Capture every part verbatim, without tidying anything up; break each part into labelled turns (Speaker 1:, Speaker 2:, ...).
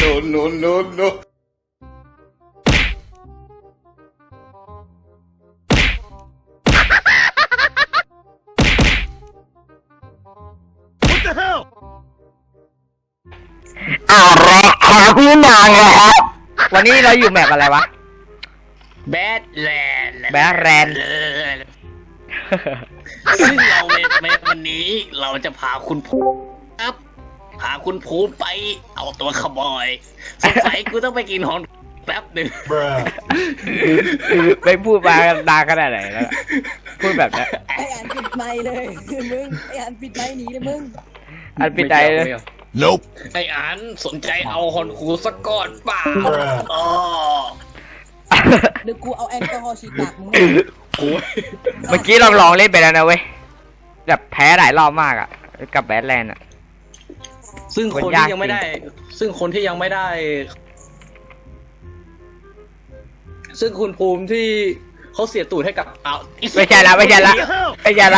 Speaker 1: no no no no What the hell
Speaker 2: เอาละครับพี่น้องนะครับวันนี้เราอยู่แมปอะไรวะ
Speaker 3: แบดแลนด์
Speaker 2: แบดแลนด์
Speaker 3: ซึ่งเราในในวันนี้เราจะพาคุณภูมิครับพาคุณภูมิไปเอาตัวขโมยสงสัยกูต้องไปกินของแป๊บหนึ่ง
Speaker 2: ไม่พูดมาดาขนาดไหนแล้วล่ะพูดแบบนี้
Speaker 4: ไอ้อ่านปิดไมค์เลยคือมึงไอ้อ่านปิดไมค์หนีเลยมึง
Speaker 2: อันปิดใจเลย
Speaker 1: Nope
Speaker 3: ไอ้อันสนใจเอาฮอนคูสักก่อนเปล่าอ๋อ
Speaker 4: เดี๋ยวกูเอาแอลกอฮอล์ฉีดปากมึง
Speaker 3: โอ้ย
Speaker 2: เมื่อกี้เราลองเล่นไปแล้วนะเว้ยแบบแพ้หลายรอบมากอ่ะกับแบทแลนด์อ่ะ
Speaker 3: ซึ่งคนที่ยังไม่ได้ ซึ่งคนที่ยังไม่ได้ ซึ่งคุณภูมิที่เขาเสียตูดให้กับเอา
Speaker 2: ไม่ใช่ละไม่ใช่ละไม่ใช่ละ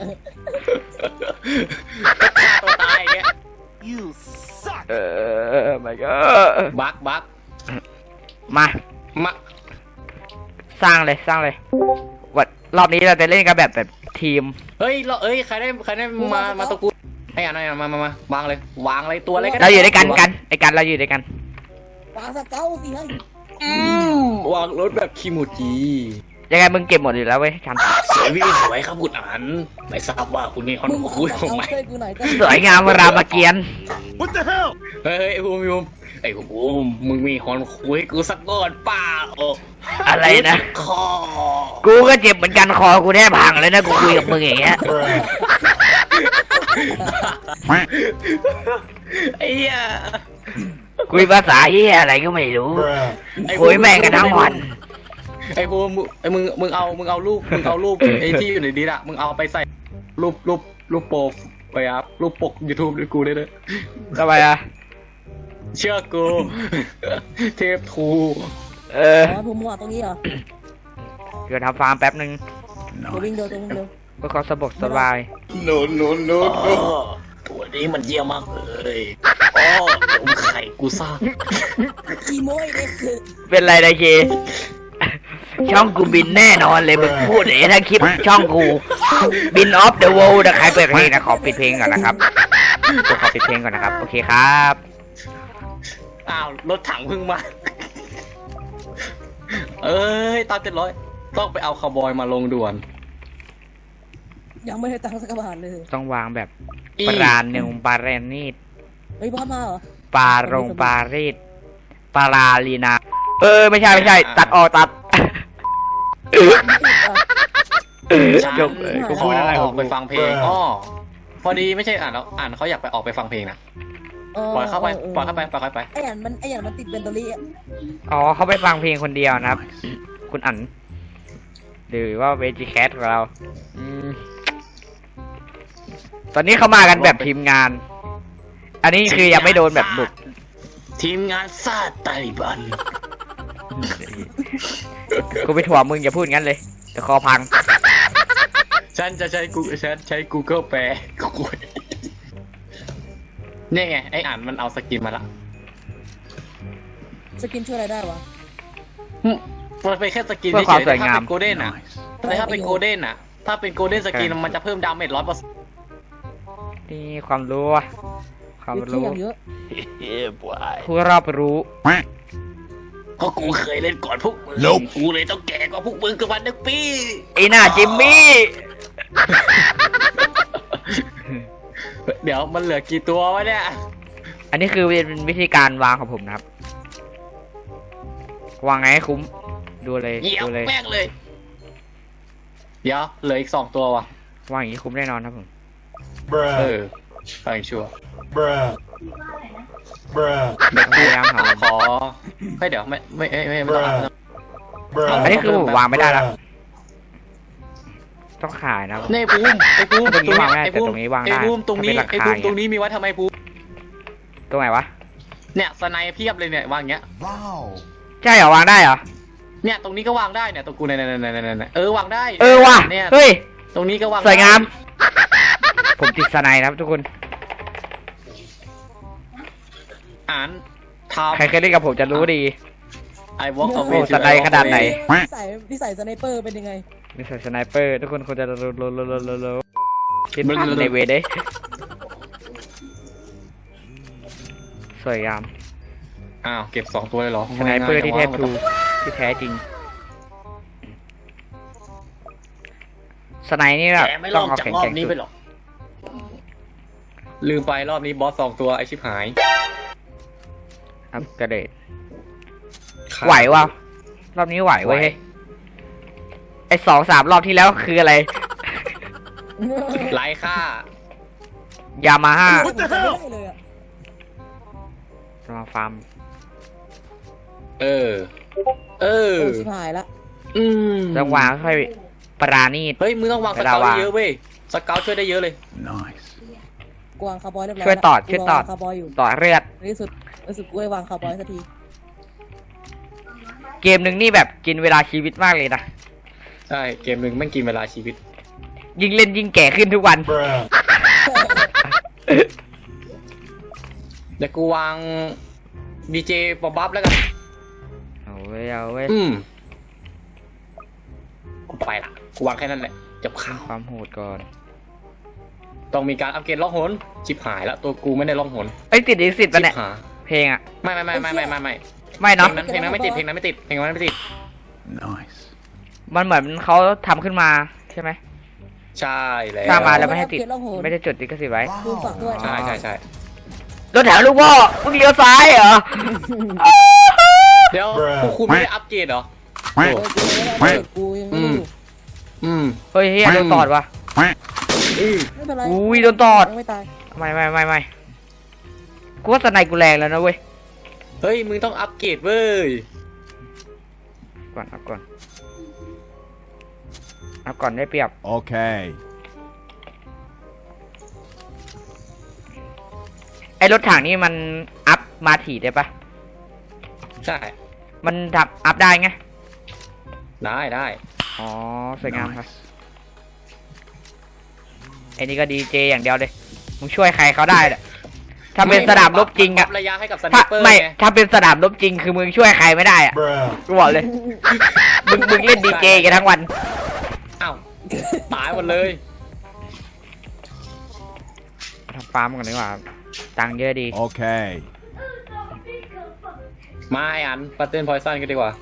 Speaker 3: ตัวตายอย่างเงี้ย
Speaker 1: You suck
Speaker 2: เออไม่ก็
Speaker 3: บักบัก
Speaker 2: มา
Speaker 3: มา
Speaker 2: สร้างเลยสร้างเลยวัดรอบนี้เราจะเล่นกันแบบแบบทีม
Speaker 3: เฮ้ยเราเอ้ยใครได้ใครได้มามาตะกูไอ้อันไอ้อันมามามาวางเลยวางเลยตัวอะไรก็ได้
Speaker 2: เราอยู่ด้วยกันกันไอ้กันเราอยู่ด้วยกัน
Speaker 4: ปาสเกาสิให้
Speaker 3: อืมวางรถแบบคิมูจิ
Speaker 2: ยังไงมึงเก็บหมดอยู่แล้วเว้ยกัน
Speaker 3: สวยพี่สวยครับคุณอันไม่ทราบว่าคุณนี่ฮอน
Speaker 4: มึง
Speaker 3: คุย
Speaker 4: เอา
Speaker 3: ของไหม
Speaker 4: ช่วยกูหน่อยก็
Speaker 2: สวยงามรามเกียรติ
Speaker 1: What the hell
Speaker 3: เฮ้ยไอ้ภูมิภูมิไอ้ภูมิมึงมีฮอนคุยกูสักก้อนเปล่า
Speaker 2: อะไรนะ
Speaker 3: คอ
Speaker 2: กูก็เจ็บเหมือนกันคอกูแทบพังเลยนะกูคุยกับมึงอย่างเงี้ย
Speaker 3: ไอ้เหี้ย
Speaker 2: คุยภาษาเฮียอะไรก็ไม่รู้คุยแม่งกันทั้งวัน
Speaker 3: ไอ้ภูมิไอ้มึงมึงเอามึงเอารูปมึงเอารูปไอ้ที่อยู่ในนี้อะมึงเอาไปใส่รูปรูปรูปโปรไปครับรูปปก YouTube ด้วยกูได้เลย
Speaker 2: ทำไมอ่ะ
Speaker 3: เชื่อกู เทพทู
Speaker 2: เออ
Speaker 4: อ๋อผมหัวตรงนี้เหรอ
Speaker 2: เดี๋ยวทำฟาร์มแป๊บนึง
Speaker 4: ตัววิ่งเร็วตัววิ่งเร็ว
Speaker 2: เพื่อความสะดวกสบาย
Speaker 1: No no no
Speaker 3: อ๋
Speaker 1: no
Speaker 3: อตัวนี้มันเยี่ยมมากเลยอ๋อผมไข่กูซ่า
Speaker 4: อีโมยเลยคือ
Speaker 2: เป็นไรนะเคช่องกูบินแน่นอนเลยมึงพูดเอ๋ถ้าคลิปช่องกูบินออฟเดอะเวิลด์นะใครเปิดเพลงนะขอปิดเพลงก่อนนะครับกูขอปิดเพลงก่อนนะครับโอเคครับ
Speaker 3: อ้าวรถถังเพิ่งมา เอ้ยตามเจ็ดร้อยต้องไปเอาคาวบอยมาลงด่วน
Speaker 4: ยังไม่ได้ตังค์สักบาทเลย
Speaker 2: ต้องวางแบบ
Speaker 3: อี
Speaker 2: ปราณเนงปาเรนีด
Speaker 4: เฮ้ยบอสมาเหรอ
Speaker 2: ปารงปารีดปาราลีนาเออไม่ใช่ไม่ใช่ตัดออกตัด
Speaker 3: ฉัน
Speaker 2: จบเลยกู
Speaker 3: ข
Speaker 2: พู
Speaker 3: อ
Speaker 2: ดอะไร
Speaker 3: อ
Speaker 2: ข
Speaker 3: อ
Speaker 2: อง
Speaker 3: ก
Speaker 2: กู
Speaker 3: ไปฟังเพลงอ้อพอดีไม่ใช่อ่านแล้วอ่านเขาอยากไปออกไปฟังเพลงนะปล่อยเข้าไปปล่อยเข้าไปปล่อยเข้าไป
Speaker 4: ไอ้อ่านมันไอ้อ่านมันติดเบนโตลี่อะ
Speaker 2: อ๋อเขาไปฟังเพลงคนเดียวนะครับ คุณอั๋นหรือว่าเวจิแคทของเราอืมตอนนี้เขามากันแบบทีมงาน อันนี้คือยังไม่โดนแบบบุก
Speaker 3: ทีมงานซาตาลิบัน
Speaker 2: กูไปถ่วงมึงอย่าพูดงั้นเลยแต่คอพัง
Speaker 3: ฉันจะใช้กูฉันใช้ Google แปลกูเนี่ยไงไออ่านมันเอาสกินมาละ
Speaker 4: สกินช่วยอะไรได้วะ
Speaker 3: มันเป็นแค่สกิน
Speaker 2: เพื่อความสวยงาม
Speaker 3: ถ้าเป็นโกลเด้นอ่ะแต่ถ้าเป็นโกลเด้นอ่ะ ถ้าเป็นโกลเด้นสกินมันจะเพิ่มดาเมจร้อยเปอร์เซ็นต์
Speaker 2: นี่ความรู้อะความ
Speaker 4: เยอะ
Speaker 2: รู้
Speaker 4: เยอะ
Speaker 1: Yeah boy
Speaker 2: ผู้รอบรู้
Speaker 3: เพราะกูเคยเล่นก่อนพวกมึง
Speaker 1: Nope
Speaker 3: กูเลยต้องแก่กว่าพวกมึงกับวันหนึ่งปี
Speaker 2: ไอ้หน้าจิมมี่
Speaker 3: เดี๋ยวมันเหลือกี่ตัววะเนี่ย
Speaker 2: อันนี้คือเป็นวิธีการวางของผมนะครับ วางไงให้คุ้ม ดูเลย
Speaker 3: เหยียบ
Speaker 2: ดูเลย
Speaker 3: แม่งเลย เดี๋ยวเหลืออีกสองตัววะ
Speaker 2: วางอย่างนี้คุ้มแน่นอนครับผม
Speaker 3: เอ
Speaker 1: Bruh
Speaker 3: อฟังชัวร์
Speaker 1: Bruh Bruh
Speaker 3: เดี๋ยว
Speaker 2: พยายามหา
Speaker 3: ขอให้ยเดี๋ยวไม่ไม่ไม่ไม่ไม่ต้องอ่าน
Speaker 1: Bruh
Speaker 2: อันนี้คือผมวางไม่ได้แล้ว ต้องขายนะครับ
Speaker 3: นี่ภูมิไอ้ภูมิ
Speaker 2: ตรงนี้วางไม่ได้
Speaker 3: ไอ้ภูมิ
Speaker 2: แต่ตรงนี้วางได้
Speaker 3: ไอ้ภูมิตรงนี้
Speaker 2: ถ้าเป็นราคา
Speaker 3: ไอ้ภูมิ
Speaker 2: อย่างเงี้ย
Speaker 3: ตรงนี้มีไว้ทำไมภูมิ
Speaker 2: ตรงไหนวะ
Speaker 3: เนี่ยสไนเพียบเลยเนี่ยวางอย่างเงี้ย
Speaker 1: Wow
Speaker 2: ใช่เหรอวางได้เหรอ
Speaker 3: เนี่ยตรงนี้ก็วางได้เนี่ยตรงกูเนี่ยเนี่ยเนี่ยเนี่ยเออวางได้
Speaker 2: เออว่ะ
Speaker 3: เนี่ย
Speaker 2: เฮ้ย
Speaker 3: ตรงนี้ก็วาง
Speaker 2: สวยงาม
Speaker 3: ได้
Speaker 2: ผมติดสไนด์นะครับทุกคน
Speaker 3: อ่านทครับ
Speaker 2: ใครเคยเล่นกับผมจะรู้ดี
Speaker 3: ไอวอล์ก
Speaker 2: โอ้สไนด์ขนาดไหน
Speaker 4: นิสัยนิสัยสไนเปอร์เป็นยังไง
Speaker 2: นี่ใส่สไนเปอร์ทุกคนควรจะรู้รู้รู้รู้รู้รู้คิดภาพในเวเด้สวยงาม
Speaker 3: อ้าวเก็บสองตัวเลยเหรอ
Speaker 2: สไนเปอร์ที่แท้ทรูที่แท้จริงสไนนี่แบบ
Speaker 3: แกไม่ล
Speaker 2: ต้อ
Speaker 3: อง ง
Speaker 2: เอา
Speaker 3: จาก
Speaker 2: แข็ง
Speaker 3: รอ
Speaker 2: แข็
Speaker 3: บ
Speaker 2: ง
Speaker 3: นี้
Speaker 2: สุ
Speaker 3: ไป
Speaker 2: ด
Speaker 3: หรอลืมไปรอบนี้บอสสองตัวไอชิบหาย
Speaker 2: อัพกระเดดไหววะรอบนี้ไหวเว้ยไอสองสามรอบที่แล้วคืออะไร
Speaker 3: ไร้ค่าย
Speaker 2: ามาฮ่า
Speaker 4: ไม่ได้เลยอะ
Speaker 2: จะมาฟาร์ม
Speaker 3: เออ เออ
Speaker 4: เออชิบหายละ
Speaker 3: อืม
Speaker 2: จังหวะค่อยปราณีต
Speaker 3: เฮ้ยมึงต้องวางส
Speaker 2: เวลา
Speaker 3: เกล
Speaker 2: วาง
Speaker 3: เยอะเว้ยสเกลช่วยได้เยอะเลย
Speaker 1: Nice.
Speaker 4: กวางคาร์บอยเรียบร้อย
Speaker 2: ช่วยตอดช่วยตอด
Speaker 4: คาร์บอยอยู่
Speaker 2: ต่อเลือด
Speaker 4: ในที่สุดในที่สุดกูได้วางคาร์บอยสักที
Speaker 2: เกมหนึ่งนี่แบบกินเวลาชีวิตมากเลยนะ
Speaker 3: ใช่เกมหนึ่งแม่งกินเวลาชีวิต
Speaker 2: ยิ่งเล่นยิ่งแก่ขึ้นทุกวัน
Speaker 1: Bruh.
Speaker 3: เดี๋ยวกูวางดีเจปอบัฟแล้วกัน
Speaker 2: เอาเว้ยเอาเว้ย
Speaker 3: อืมกูไปละกูวางแค่นั้นแหละจบข่าว
Speaker 2: ความโหดก่อน
Speaker 3: ต้องมีการอัปเกรดล่องหนชิบหายแล้วตัวกูไม่ได้ล่องหน
Speaker 2: เอ้ยติดลิขสิทธิ์
Speaker 3: ชิ
Speaker 2: ปะเนี่ย
Speaker 3: บหาย
Speaker 2: เพลงอะ
Speaker 3: ไม่ไม่ไม่ไม่ไม่ไม่ไม่
Speaker 2: ไม่
Speaker 3: เพล
Speaker 2: เนาะ
Speaker 3: งนั้นเพลงนั้นไม่ติดเพลงนั้นไม่ติดเพลงนั้นไม่ติด
Speaker 1: Nice.
Speaker 2: มันเหมือนเขาทำขึ้นมาใช่ไหม
Speaker 3: ใช่แล้ว
Speaker 2: สร้างมาแล้วไม่ให้ติด
Speaker 4: เกล่องโหน
Speaker 2: ไม่ได้จดลิขสิทธิ์ไว้
Speaker 4: ดูฝากด้วย
Speaker 3: ใช่ใช่ใช่
Speaker 2: รถแถวลูกพ่อมึงเลี้ยวซ้ายเหรอ
Speaker 3: เดี๋ยวพวกคุณไม่ได้อัปเกรดเหรอ
Speaker 4: เออกูไม่ได้กูยังไม่รู้
Speaker 3: อืม
Speaker 2: เฮ้ยเฮียโดนตอดวะ
Speaker 3: อืม
Speaker 4: ไม่เป็นไร
Speaker 2: อุ้ยโดนตอด
Speaker 4: ยังไม่ตาย
Speaker 2: ไม่ไม่ไม่ไม่กูว่าสไนกูแรงแล้วนะเว้ย
Speaker 3: เฮ้ยมึงต้องอัปเกรดเว้ย
Speaker 2: ก่อนเอาก่อนเอาก่อนได้เปรียบ
Speaker 1: Okay.
Speaker 2: ไอรถถังนี่มันอัพมาถี่ได้ปะ
Speaker 3: ใช่
Speaker 2: มันทำอัพได้ไง
Speaker 3: ได้ได้
Speaker 2: อ๋อสวยงามครับ
Speaker 1: Nice.
Speaker 2: ไอ้นี่ก็ดีเจอย่างเดียวเลยมึงช่วยใครเขาได้แหละถ้าเป็นสนามรบจริงอะ
Speaker 3: ระยะให้กับสไน
Speaker 2: ถ้า
Speaker 3: เปอร์
Speaker 2: ไม่
Speaker 3: ไง
Speaker 2: ถ้าเป็นสนามรบจริงคือมึงช่วยใครไม่ได้อะ
Speaker 1: Bruh.
Speaker 2: กูบอกเลย มึงมึงเล่นดีเจกันทั้งวัน
Speaker 3: อ้าวตายหมดเลย
Speaker 2: ทำฟาร์มก่อนดีกว่าตังค์เยอะดี
Speaker 1: Okay.
Speaker 3: มาไอ้อันปัตเติ้ลพอยซันกันดีกว่า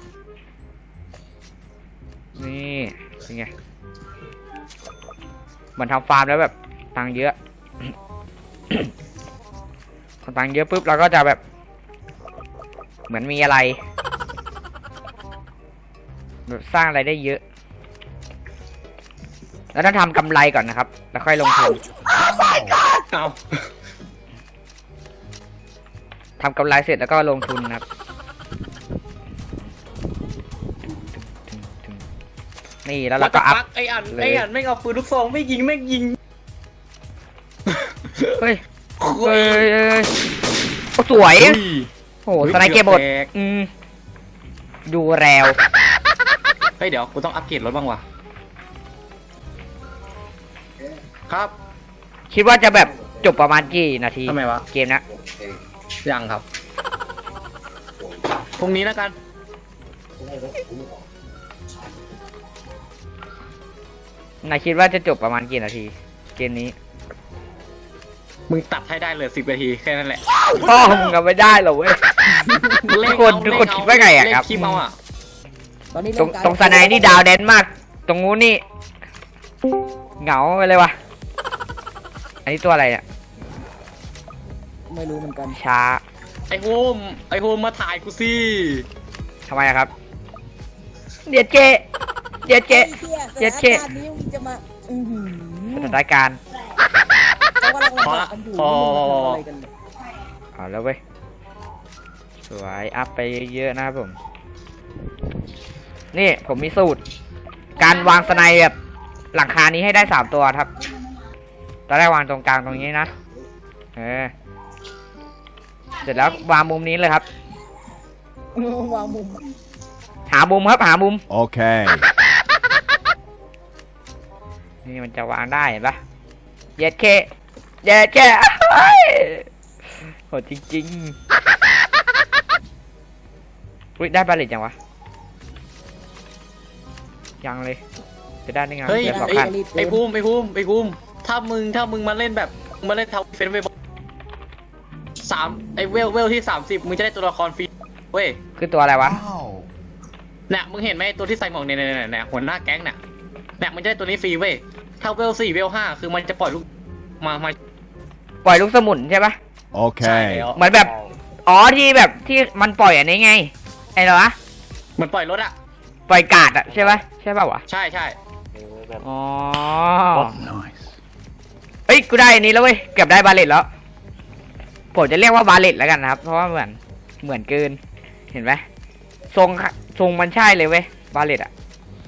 Speaker 2: นี่เป็นไงเหมือนทำฟาร์มแล้วแบบตังค์เยอะ พอตังค์เยอะปุ๊บเราก็จะแบบ เหมือนมีอะไรแบบสร้างอะไรได้เยอะ แล้วต้องทำกำไรก่อนนะครับ แล้วค่อยลงทุน
Speaker 3: เอา
Speaker 2: ทำกำไรเสร็จแล้วก็ลงทุนนะครับ นี่แล้วเราก็อัพ
Speaker 3: ปักไอ้อัน
Speaker 2: เลย
Speaker 3: ไอ้อันไม่เอาปืนลูกซองไม่ยิงไม่ยิง
Speaker 2: เฮ้ยเฮ้ยเฮ้ยเฮ้ยโอ้สวย โอ้โหสไนเกอร์บดอืมดูแรว
Speaker 3: เฮ้ยเดี๋ยวกูต้องอัปเกรดรถบ้างว่ะครับ
Speaker 2: คิดว่าจะแบบจบประมาณกี่นาที
Speaker 3: ทำไมวะ
Speaker 2: เกมนะ
Speaker 3: ยังครับพรุ่งนี้แล้วกัน
Speaker 2: นายคิดว่าจะจบประมาณกี่นาที เกมนี้
Speaker 3: มึงตัดให้ได้เลยสิบนาทีแค่นั้นแหละ
Speaker 2: พ่อมึงก็ไม่ได้หรอกเว้ย ทุกคนทุกคนคิดว่าไงอะครับ
Speaker 3: เล่นคลิปเอาอะ
Speaker 4: ตอนนี้
Speaker 2: ตรง
Speaker 4: เล่นการ
Speaker 2: ตรงสไนนี่ดาวแดนมาก ตรงนู้นนี่ เหงาไปเลยวะอันนี้ตัวอะไรเนี่ย
Speaker 4: ไม่รู้เหมือนกัน
Speaker 2: ช้า
Speaker 3: ไอโฮมไอโฮมมาถ่ายกูสิ
Speaker 2: ทำไมอะครับ เดี๋ยวเจ เดี๋ยวเจ
Speaker 4: ไอ้เหี้ย
Speaker 2: เจ็ด
Speaker 4: ส
Speaker 2: เจ็
Speaker 4: ถา
Speaker 2: ด
Speaker 4: นการณ์นี้มึงจะมาอือหือ
Speaker 2: สถานการณ์
Speaker 4: เขากำลังลำบากกันอยู่มึงมาทำอะไรกันเนี่ย
Speaker 2: เอาแล้วเว้ย สวย อัพไปเยอะๆนะครับผม นี่ผมมีสูตร การวางสไนแบบหลังคานี้ให้ได้สามตัวครับ ตอนแรกวางตรงกลางตรงนี้นะ เออ เสร็จแล้ววางมุมนี้เลยครับ
Speaker 4: วางมุม
Speaker 2: หามุมครับ หามุม
Speaker 1: Okay.
Speaker 2: นี่มันจะวางได้เห็นปะเย็ดเคเย็ดเคเฮ้ยโหดจริงอุ๊ยได้บาเลตยังวะยังเลยจะได้ได้ไง
Speaker 3: เฮ้ย
Speaker 2: เดี๋ยวสอง
Speaker 3: ไอ้
Speaker 2: คัน
Speaker 3: ไอ้ภูมิไอ้ภูมิไอ้ภูมิถ้ามึงถ้ามึงมาเล่นแบบมาเล่นทาวเฟนเวสามไอ้เวลเวลที่สามสิบมึงจะได้ตัวละครฟรีเว้ย
Speaker 2: คือตัวอะไรวะ
Speaker 3: เนี่ยมึงเห็นไหมตัวที่ใส่หมวกเนี่ยเนี่ยเนี่ยหัวหน้าแก๊งเนี่ยเนี่ยมันจะได้ตัวนี้ฟรีเว้ยถ้าเวลสี่เวลห้าคือมันจะปล่อยลูกมามา
Speaker 2: ปล่อยลูกสมุนใช่ปะ
Speaker 3: ใช่
Speaker 5: Okay.
Speaker 3: แล้ว
Speaker 2: เหมือนแบบอ๋อที่แบบที่มันปล่อยอันนี้ไงไอ้เหรอวะ
Speaker 3: มันปล่อยรถอะ
Speaker 2: ปล่อยกาดอะใช่ปะใช่ป่าวะ
Speaker 3: ใช่ใช่
Speaker 2: อ๋อเอ้ยกูได้อันนี้แล้วเว้ยเกือบได้บาเลตแล้วผมจะเรียกว่าบาเลตแล้วกันนะครับเพราะว่าเหมือนเหมือนเกินเห็นไหมทรงทรงมันใช่เลยเว้ยบาเลตอะ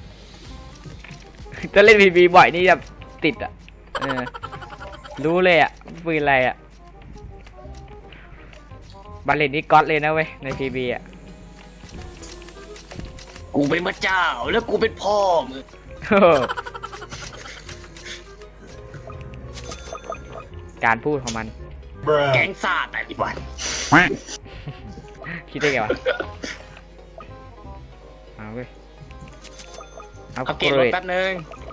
Speaker 2: จะเล่นบีบีบ่อยนี่แบบติดอะเออรู้เลยอะปืนอะไรอะบาเลตนี่ก๊อตเลยนะเว้ยในพีบีอะ
Speaker 3: กูเป็นพระเจ้าแล้วกูเป็นพ่อมึง
Speaker 2: การพูดของมัน
Speaker 3: แก๊งซ่าแต่ละวัน
Speaker 2: คิดได้ไงวะเอาเว้ยเอา
Speaker 3: อัปเก
Speaker 2: เก
Speaker 3: รด
Speaker 2: ร
Speaker 3: รถ
Speaker 2: ด
Speaker 3: แป๊บนึง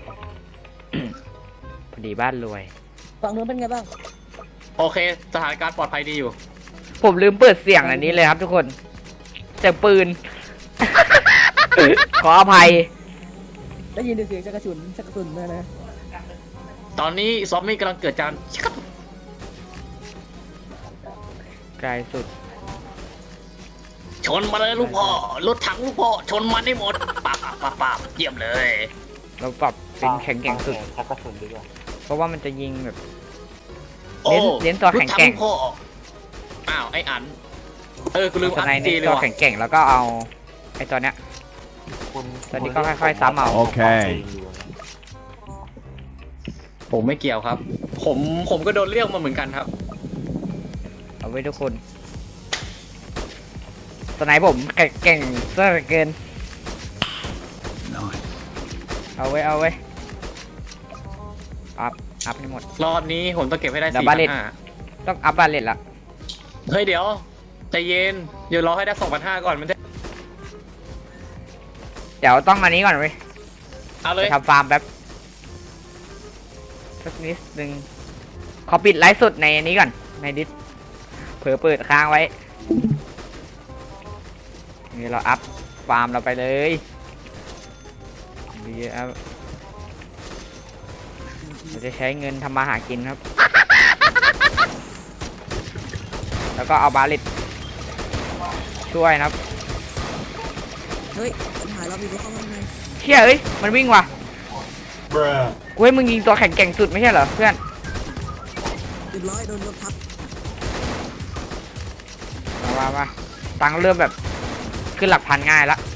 Speaker 2: พอดีบ้านรวย
Speaker 4: ฝั่งนู้นเป็นไงบ้าง
Speaker 3: โอเคสถานการณ์ปลอดภัยดีอยู่
Speaker 2: ผมลืมเปิดเสียงอันนี้เลยครับทุกคนเสียงปืน ขออภัย
Speaker 4: ได้ยินเสียงชักกระสุนชักกระสุนนะนะ
Speaker 3: ตอนนี้ซอมบี้กำลังเกิดจาน
Speaker 2: ไกลสุด
Speaker 3: ชนมาเลยลูกพ่อรถถังลูกพ่อชนมันได้หมดปาบปาบปาบปาบเยี่ยมเลย
Speaker 2: เราปรับเป็นแข็งแกร่งสุด
Speaker 1: ชักกระสุนดีกว่า
Speaker 2: เพราะว่ามันจะยิงแบบ
Speaker 3: โอ้
Speaker 2: เน้นตัวแข็งแกร่ง
Speaker 3: ถถัลูพ่ออ้าวไอ้อันเออกูลืม
Speaker 2: ส
Speaker 3: อัน
Speaker 2: ไนใน
Speaker 3: จีเลย
Speaker 2: ตัว
Speaker 3: ว่ะ
Speaker 2: แข็งแกร่งแล้วก็เอาไอ้ตัวเนี้ย
Speaker 1: คุณ
Speaker 2: ตอนนี้ก็ค่อยๆซ้ำเอา
Speaker 5: โอเค
Speaker 3: ผมไม่เกี่ยวครับ ผมผมก็โดนเรียกมาเหมือนกันครับ
Speaker 2: เอาไว้ทุกคนสไนผมแข็งแกร่งซะเหลือเกินเอาไว้เอาไว้อัพอัพให้หมด
Speaker 3: รอบนี้ผมต้องเก็บให้ได้
Speaker 2: เดี๋ยว
Speaker 3: สี่
Speaker 2: บา
Speaker 3: พั
Speaker 2: เล
Speaker 3: น
Speaker 2: ต
Speaker 3: ห้า
Speaker 2: ต้องอัพบาเลตละ
Speaker 3: เฮ้ยเดี๋ยวใจเย็นเดี๋ยวรอให้ได้สองพันห้าก่อนมันจะ
Speaker 2: เดี๋ยวต้องอันนี้ก่อนเว้ย
Speaker 3: เอาเล
Speaker 2: ไป
Speaker 3: ย
Speaker 2: ทำฟาร์มแป๊บสักนิดนึงขอปิดไลฟ์สดในนี้ก่อนในดิสเผื่อเปิดค้างไว้นี่เราอัพฟาร์มเราไปเลยดีครับเราจะใช้เงินทำมาหากินครับ แล้วก็เอาบาลิตช่วยนะครับ
Speaker 4: เฮ้ยปัญหาเรามีรถเข้ามาไง
Speaker 2: เชี่ยเอ้ยมันวิ่งว่ะ
Speaker 1: Bruh.
Speaker 2: กูให้มึงยิงตัวแข็งแกร่งสุดไม่ใช่เหรอเพื่อน
Speaker 4: เรียบร้อยโดนรถทับ
Speaker 2: มามามาตังค์เริ่มแบบขึ้นหลักพันง่ายละ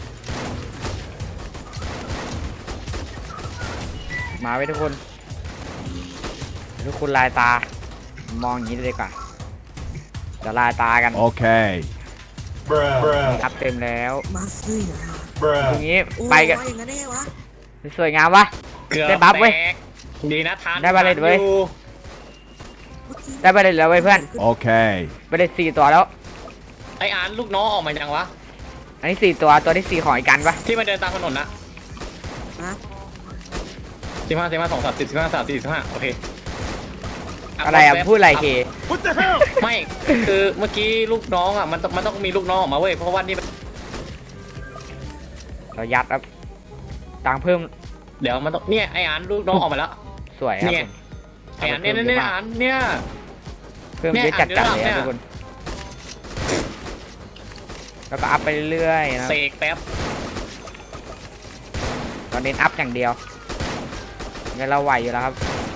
Speaker 2: มาไว้ทุกคนทุกคนลายตามองอย่างนี้เลยดีกว่าจะลายตากัน
Speaker 5: Okay.
Speaker 1: Bruh. Bruh.
Speaker 2: อัพเต็มแล้ว
Speaker 4: มาซื้อนะ
Speaker 2: ตรง
Speaker 1: Bruh.
Speaker 2: นี้
Speaker 4: โอ้
Speaker 2: ไปกัน
Speaker 4: ว่าอย่างนั้นได้ไงวะ
Speaker 2: สวยงามวะ
Speaker 3: เกือบ
Speaker 2: ได้บัฟเว้ย
Speaker 3: แตกดีนะทาน
Speaker 2: ได้บาเลตเว้ย
Speaker 3: อยู่
Speaker 2: ได้ไปเลยแล้วเว้ยเพื่อน
Speaker 5: Okay.
Speaker 2: ไปเลยสี่ตัวแล้ว
Speaker 3: ไอ้อันลูกน้องออกมายังวะ
Speaker 2: อันนี้สี่ตัวตัวที่สี่ของไอ้กันปะ
Speaker 3: ที่มันเดินตามถนนนะ
Speaker 4: ฮะ
Speaker 3: สิบห้าสิบห้าสองสามสิบสิบห้าสามสี่สิบห้าโอเค
Speaker 2: อะไรอ่ะพูดอะไรเค
Speaker 3: ไม่คือเมื่อกี้ลูกน้องอ่ะมันต้องมันต้องมีลูกน้องออกมาเว้ยเพราะว่านี่
Speaker 2: เรายัดครับตังค์เพิ่ม
Speaker 3: เดี๋ยวมันต้องเนี่ยไอ้อันลูกน้องออกมาแล้ว
Speaker 2: สวยครับ
Speaker 3: เนี่ย
Speaker 2: ผม
Speaker 3: ไอ้อันเนี่ยเนี่ยเนี่ยอันเนี่ย
Speaker 2: เพิ่ม
Speaker 3: เนี่ย
Speaker 2: เยอะจัดจัดเลย
Speaker 3: เนี่
Speaker 2: นะ
Speaker 3: ย
Speaker 2: ทุกคนแล้วก็อัพไปเรื่อยๆนะ
Speaker 3: เสกแป๊บ
Speaker 2: ตอนนี้อัพอย่างเดียวเงินเราไหวอยู่แล้วครับ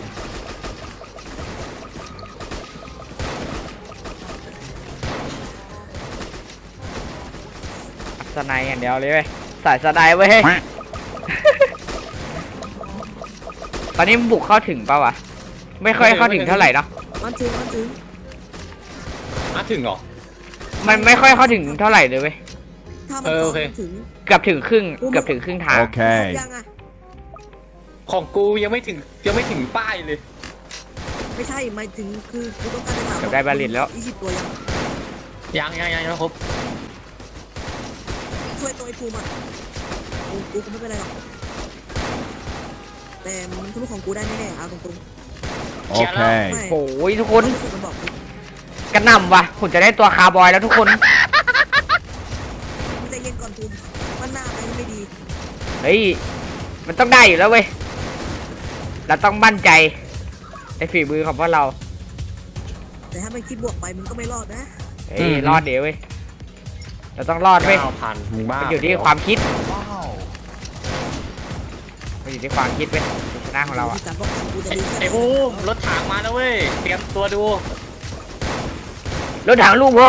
Speaker 2: อัพสไนด์อย่างเดียวเลยเว้ยสายสไนด์เว้ย ตอนนี้มันบุกเข้าถึงเปล่าวะไม่ค่อยเข้าถึงเท่าไหร่เนาะ
Speaker 4: มันถึงมันถึง
Speaker 3: อ่ะถึงเหรอ
Speaker 2: มันไม่ค่อยเข้าถึงเท่าไหร่เลยเว้ย
Speaker 4: ถ้ามัน
Speaker 3: เออโอเค
Speaker 4: มันถึง
Speaker 2: เกือบถึงครึ่งเกือบถึงครึ่งทาง
Speaker 5: Okay.
Speaker 4: ยังอ่ะ
Speaker 3: ของกูยังไม่ถึงยังไม่ถึงป้ายเลย
Speaker 4: ไม่ใช่หมายถึงคือกูต้องการจะถาม
Speaker 2: เกือบได้บาลิตแล้ว
Speaker 4: ยี่สิบตัวยัง
Speaker 3: ยังยังยังยังไม่ครบ
Speaker 4: ช่วยตัวไอ้ภูมิอ่ะกูกูก็ไม่เป็นไรหรอกแต่มันทะลุของกูได้แน่ๆเอาตรง
Speaker 3: เคลียร์แล้ว
Speaker 4: ๆไม่
Speaker 2: โอ้ยทุกคน
Speaker 4: รู้สึกมันบอกกู
Speaker 2: กระหน่ำว่ะผมจะได้ตัวคาร์บอยแล้วทุกคน
Speaker 4: มึงใจเย็นก่อนภูมิมันหน้าไปไม่ดี
Speaker 2: เฮ้ยมันต้องได้อยู่แล้วเว้ยเราต้องมั่นใจในฝีมือของพวกเรา
Speaker 4: แต่ถ้าไม่คิดบวกไปมึงก็ไม่รอดนะ
Speaker 2: เฮ้ยรอดเดี๋ยวเว้ยเราต้องรอดเว้ย
Speaker 3: เก้าพันมึงบ้า
Speaker 2: มันอยู่ที่ความคิดมันอยู่ที่ความคิดเว้ยชนะของเราอะ
Speaker 4: ที่การป้องกันกูจะดีแค่ไหน
Speaker 3: ไอ้ภูมิรถถังมาแล้วเว้ยเตรียมตัวดู
Speaker 2: รถถังลูกพ่อ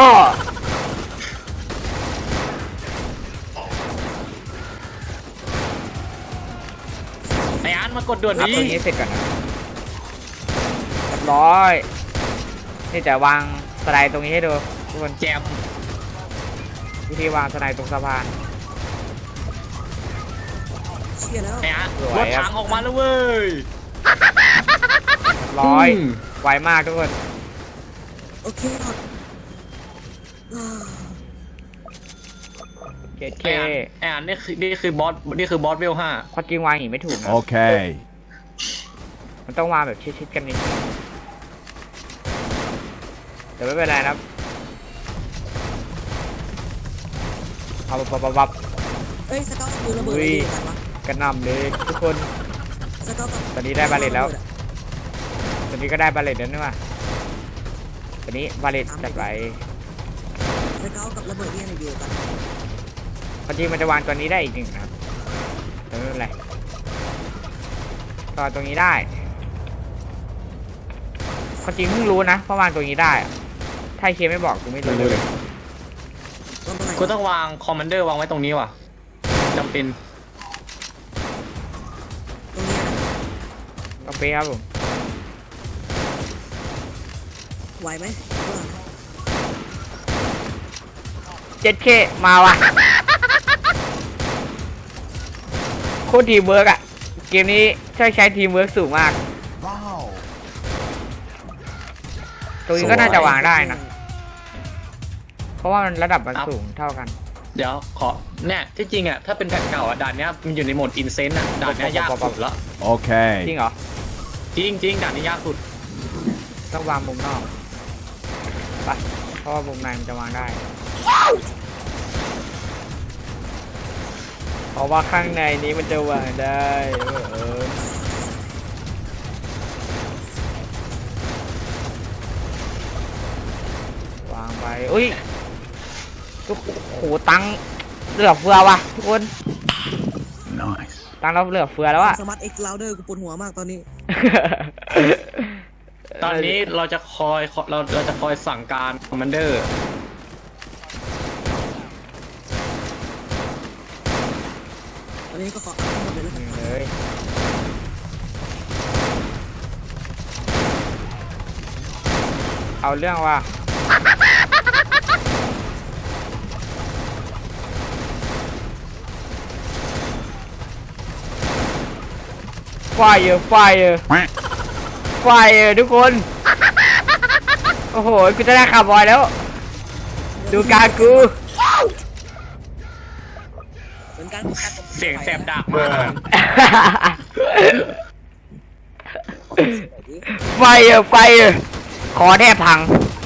Speaker 3: ไอ้อันมากดด่วน
Speaker 2: รับ
Speaker 3: ดี
Speaker 2: ตัวนี้เสร็จก่อนนะเรียบร้อยนี่จะวางสไลด์ตรงนี้ให้ดูทุกคน
Speaker 3: แจม
Speaker 2: วิธีวางสไลด์ตรงสะพาน
Speaker 4: เชี่ยแล้ว
Speaker 3: ไอ้อัน
Speaker 2: สวย
Speaker 3: ร
Speaker 2: อะ
Speaker 3: ถถังออกมาแล้วเว้ย
Speaker 2: เรียบร้อย
Speaker 3: อืม
Speaker 2: ไวมากทุกคน
Speaker 4: โอเคหมดอ่า
Speaker 2: เจ็ดเค
Speaker 3: ไอ้อันไอ้อันนี่คือนี่คือบอสนี่คือบอสเวลห้า
Speaker 2: ความจริงวางอย่างนี้ไม่ถูกนะ
Speaker 5: Okay.
Speaker 2: มันต้องวางแบบชิดๆกันนิดแต่ไม่เป็นไรนะครับเอาปับปับปับ
Speaker 4: เอ้ยสเกลกับปืนระเบิด
Speaker 2: อุ้
Speaker 4: อะไร
Speaker 2: ย
Speaker 4: ดีกันวะ
Speaker 2: กระหน่ำเลยทุกคน
Speaker 4: สเกลกับ
Speaker 2: ตอนนี้ได้บาเลตแล้ว ตอนนี้ก็ได้บาเลตแล้วนี่ว่าตอนนี้บาเลตจัดไป
Speaker 4: สเกลกับระเบิดเนี่ยอยู่กัน
Speaker 2: ความจริงมันจะวางตัวนี้ได้อีกหนึ่งนะครับแต่ไม่เป็นไรก็ตรงนี้ได้ความจริงเพิ่งรู้นะเพราะวางตรงนี้ได้อะถ้าไอ้เคไม่บอกกูไม่รู้เลย
Speaker 4: ตรงไหน
Speaker 3: กูต้องวางคอมมานเดอร์วางไว้ตรงนี้ว่ะจำเป็น
Speaker 4: ตรงนี้นะ
Speaker 2: โอเคครับผม
Speaker 4: ไหวไหม
Speaker 2: เจ็ดเคมาว่ะโคตรทีมเวิร์กอะเกมนี้ใช้ใช้ทีมเวิร์กสูงมาก ตรงนี้ก็น่าจะวางได้นะ เพราะว่ามันระดับมันสูงเท่ากัน
Speaker 3: เดี๋ยวขอเนี่ยที่จริงอ่ะถ้าเป็นแผ่นเก่าอ่ะด่านเนี้ยมันอยู่ในโหมดอินเซนต์อ่ะด่านเนี้ยยากสุดละ
Speaker 5: Okay.
Speaker 2: จริงเหรอ
Speaker 3: จริงจริงด่านนี้ยากสุด
Speaker 2: ต้องวางมุมนอกไปเพราะว่ามุมในมันจะวางได้ เพราะว่าข้างในนี้มันจะวางได้เออเออวางไปอุ้ยทุกโหตังค์เหลือเฟือว่ะทุกคน
Speaker 5: Nice.
Speaker 2: ตังค์เราเหลือเฟือแล้วอะ
Speaker 4: สมาร์ทเอ็กซ์ลาวเดอร์กูปวดหัวมากตอนนี้
Speaker 3: ตอนนี้เราจะคอยเราเราจะคอยสั่งการคอมมานเดอร์
Speaker 4: ตอนนี้ก็ขออัพทั้งหมดเลยแล้วกัน
Speaker 2: เลยเอาเรื่องว่าไฟเออไฟเออไฟเออทุกคน โอ้โหกูจะได้คาร์บอยแล้ว ดูการกู
Speaker 4: เหมือนกัน
Speaker 3: เสียงแสบดากมาก
Speaker 1: Bruh.
Speaker 2: ไฟเออไฟเออขอแทบพัง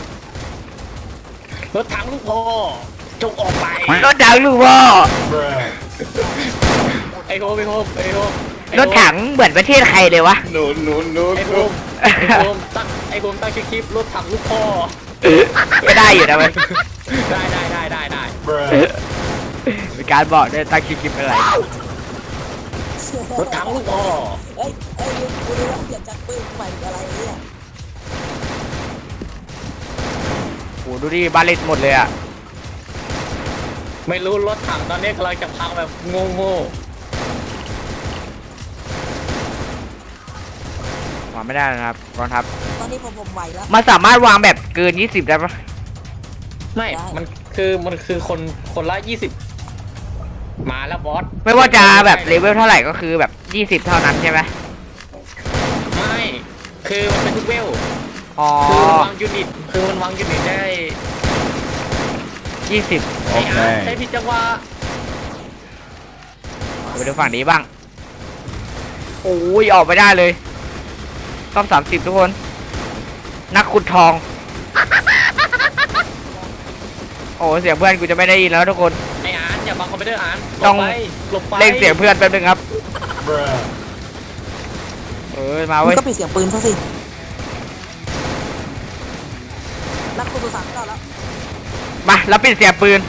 Speaker 3: รถถังลูกพ่อจงออกไป
Speaker 2: รถถังลูกพ่อ
Speaker 1: Bruh.
Speaker 3: ไอโฮมไอโฮมไอโฮม
Speaker 2: รถถังเหมือนประเทศใครเลยวะ
Speaker 3: หนูหนูหนูไอโฮมไอโฮมตั้งไอโฮมตั้งชื่อคลิปรถถังลูกพ่อ
Speaker 2: ก็ได้อยู่นะเว้ย
Speaker 3: ได้ได้ได้ได้ได้
Speaker 1: Bruh.
Speaker 2: มีการบอกด้วยตั้งคลิปอะไร
Speaker 3: รถถังลูกพ่อ
Speaker 4: เอ้ยเอ้ยกูรู้ว่าเปลี่ยนจากปืนใหม่เป็นอะไรเนี่ย
Speaker 2: โหดูดิบาเลตหมดเลยอ่ะ
Speaker 3: ไม่รู้รถถังตอนนี้กำลังจะพังแบบโง่โง่
Speaker 2: วางไม่ได้นะครับกองทัพ
Speaker 4: ตอนนี้ผมผมไหวแล้ว
Speaker 2: มันสามารถวางแบบเกินยี่สิบได้ปะ
Speaker 3: ไม่ มันคือมันคือคนคนละยี่สิบมาแล้วบอส
Speaker 2: ไม่ว่าจะแบบเลเวลเท่าไหร่ก็คือแบบยี่สิบเท่านั้นใช่ไหม
Speaker 3: ไม่คือมันเป็นทุกเวล
Speaker 2: อ๋อ
Speaker 3: คือมันวางยูนิตคือมันวางยูนิตได้
Speaker 2: ยี่สิบ
Speaker 3: ไอ้อาร์ต
Speaker 5: Okay.
Speaker 3: ใช้ผิดจังหวะ
Speaker 2: ไปดูฝั่งนี้บ้างโอ้ยออกไม่ได้เลยต้องสามสิบทุกคน นักขุดทอง โอ้เสียงเพื่อนกูจะไม่ได้ยินแล้วทุกคน
Speaker 3: ไอ้อานอย่าบังคอมพิวเตอร์อาน
Speaker 2: ต้อง
Speaker 3: หลบไปหลบไป
Speaker 2: เล่นเสียงเพื่อนแป๊บนึงครับ
Speaker 1: bruh,
Speaker 2: เออมา
Speaker 4: มึ
Speaker 2: เว้
Speaker 4: ง
Speaker 2: ย
Speaker 4: ก็ปิดเสียงปืนซะสินักคุณตัวสามก็แล้ว
Speaker 2: มาแล้วปิดเสียงปืน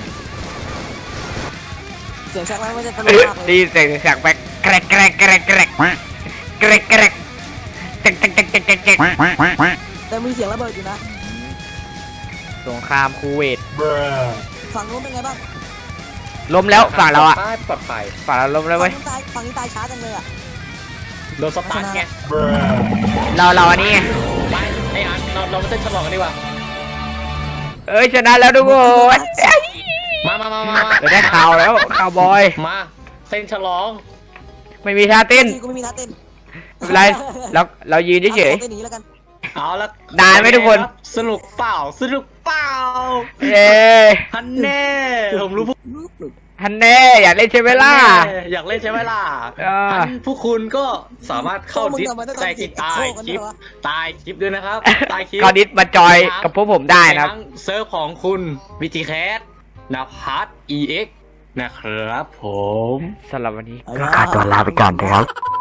Speaker 4: เสียงแช็คไว้ไม่ได้ตล
Speaker 2: เอก อ
Speaker 4: มากเล
Speaker 2: ดี
Speaker 4: ย
Speaker 2: เสียงเสียงแบกแกรกแกรกแกรกแกรกแกรกแกรกแกรกแจ๊กแจ๊กแจ๊กแจ๊กแจ๊กแจ๊ก
Speaker 5: Quack, quack, quack, quack.
Speaker 4: แต่มีเสียงระเบิดอยู่นะ
Speaker 2: สงครามคูเวต
Speaker 1: bruh,
Speaker 4: ฝั่งนู้นเป็นไงบ้าง
Speaker 2: ล้มแล้วฝั่งเราอะ
Speaker 3: ปลอดภัย
Speaker 2: ฝั่งเราล้มแล้ว
Speaker 4: ฝั่
Speaker 2: เว้
Speaker 4: ง
Speaker 2: ย
Speaker 4: นู้นตายฝั่งนี้ตายช้าจังเลยอ่ะ
Speaker 3: โดนสตาร์ทไง
Speaker 1: bruh,
Speaker 2: เราเราอันนี้ไง
Speaker 3: ไปไอ้อานเราเราไม่ต้องฉลองกันดีกว่า
Speaker 2: เอ้ยชนะแล้วทุกคน
Speaker 3: มามามามามา
Speaker 2: เราได้ข่าวแล้วข่าวบอย
Speaker 3: มาเต้นฉลอง
Speaker 2: ไม่มีท่าเต้น
Speaker 4: กูไม่มีท่าเต้น
Speaker 2: ไม่เป็นไรเราเรายืนเฉย
Speaker 4: เต้นหนีแล้วกัน
Speaker 3: เอาละ
Speaker 2: ได้ไหมทุกคน
Speaker 3: สนุกเปล่าสนุกเปล่า
Speaker 2: ๆเย้
Speaker 3: ฮันแน่ผมรู้พวก
Speaker 2: ฮันแน่อยากเล่นใช่ไหมล่ะ
Speaker 3: อยากเล่นใช่ไหมล่ะ
Speaker 2: อ่า
Speaker 3: ฮันพวกคุณก็สามารถเข้าดิสใต้คลิปใต้คลิปใต้คลิปด้วยนะครับใต้คลิป
Speaker 2: คราวนี้มาจอยกับพวกผมได้นะครับ
Speaker 3: ทั้งเซิร์ฟของคุณวิจิแคสนภัส อี เอ็กซ์ นะครับผม
Speaker 2: สำหรับวันนี้ก็ขอตัวลาไปก่อนนะครับ